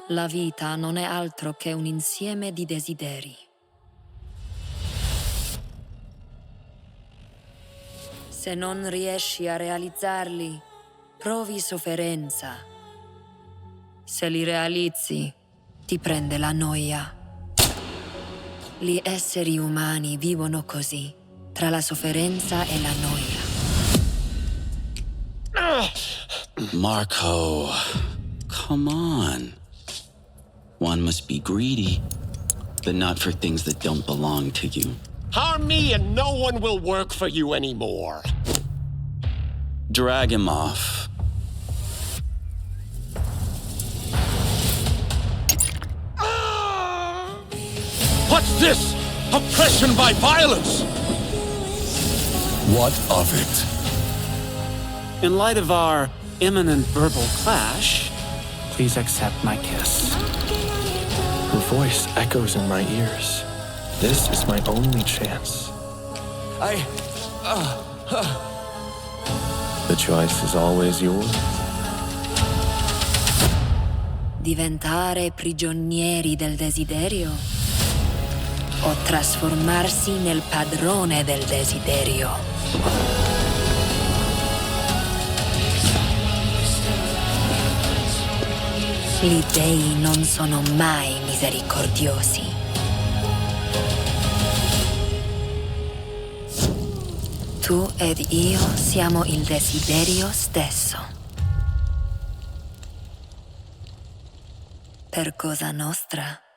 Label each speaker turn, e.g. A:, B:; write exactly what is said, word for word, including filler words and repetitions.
A: La vita non è altro che un insieme di desideri. Se non riesci a realizzarli, provi sofferenza. Se li realizzi, ti prende la noia. Gli esseri umani vivono così, tra la sofferenza e la noia.
B: Marco, come on. One must be greedy, but not for things that don't belong to you.
C: Harm me and no one will work for you anymore.
B: Drag him off.
C: What's this? Oppression by violence!
D: What of it?
E: In light of our imminent verbal clash, please accept my kiss.
F: Her voice echoes in my ears. This is my only chance.
D: I... Uh, uh.
F: The choice is always yours.
A: Diventare prigionieri del desiderio o trasformarsi nel padrone del desiderio. Gli dei non sono mai misericordiosi. Tu ed io siamo il desiderio stesso. Per Cosa Nostra.